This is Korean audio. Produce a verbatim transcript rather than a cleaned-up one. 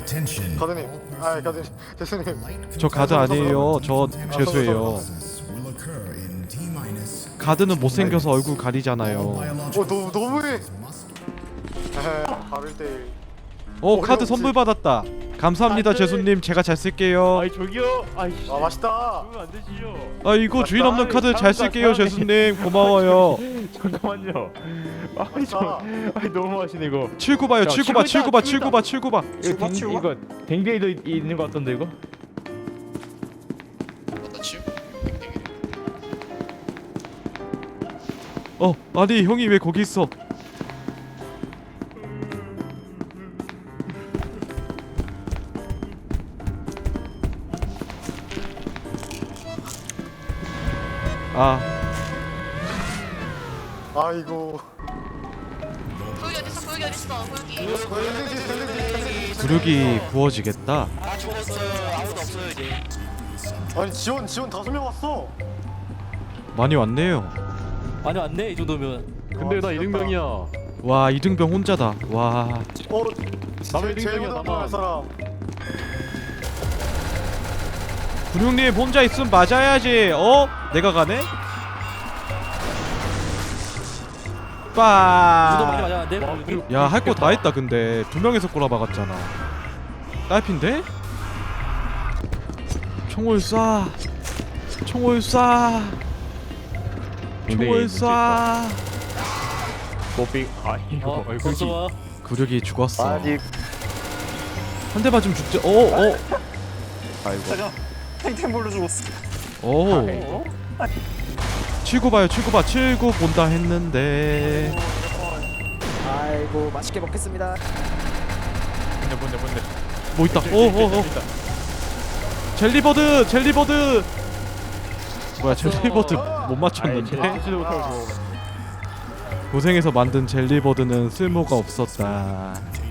가드님, 아 가드님, 대수님. 저 가드 아니에요. 저 죄수예요. 가드는 못생겨서 얼굴 가리잖아요. 어 너무 너무해. 에헤, 바로 일 대일. 어 카드 선물 받았다. 감사합니다 죄수님. 제가 잘 쓸게요. 아이 저기요. 아이씨. 아 맛있다. 그러면 안 되시죠. 아 이거 주인 없는 카드 잘 쓸게요 죄수님. 고마워요. 잠깐만요. 아이 저, 아이 너무 하시네 이거. 칠구 봐요. 자, 칠구 봐. 칠구 칠구 봐. 있다, 칠구 봐. 칠구 봐. 이거 댕, 치우가? 이거 댕댕이도 있- 있는 것 같던데 이거. 맞다 치우? 어 아니 형이 왜 거기 있어? 아 아이고. 구역이 어딨어 구역이 어딨어 구역이 던지지 던지지 던지지. 구력이 구워지겠다. 아 죽었어요 아무도 없어요 이제 아니 지원 지원 다섯 명 왔어. 많이 왔네요. 아니 안돼 이 정도면. 근데 나 이등병이야. 와 이등병 혼자다. 와 어. 남의 제- 제일 이등병이야 못한 나만. 사람. 군용님 혼자 있으면 맞아야지. 어? 내가 가네? 누가 많이 빠. 맞았는데? 와, 그리고 야 할 거 다 했다. 근데 두 명에서 꼬라박았잖아. 딸핀데? 총을 쏴. 총을 쏴. 총을 쏴. 모빙 아이고 어 아이고 벌써 와. 구력이 죽었어. 아니 한 대 맞으면 죽지. 어 어. 아이고. 탱탱볼로 죽었어. 오. 칠구 봐요. 칠구 봐. 칠구 본다 했는데. 아이고 맛있게 먹겠습니다. 뭔데 뭔데 뭔데. 뭐 있다. 어어 어. 젤리버드. 젤리버드. 뭐야 젤리버드 못 맞췄는데? 아이 못하고 고생해서 만든 젤리버드는 쓸모가 없었다.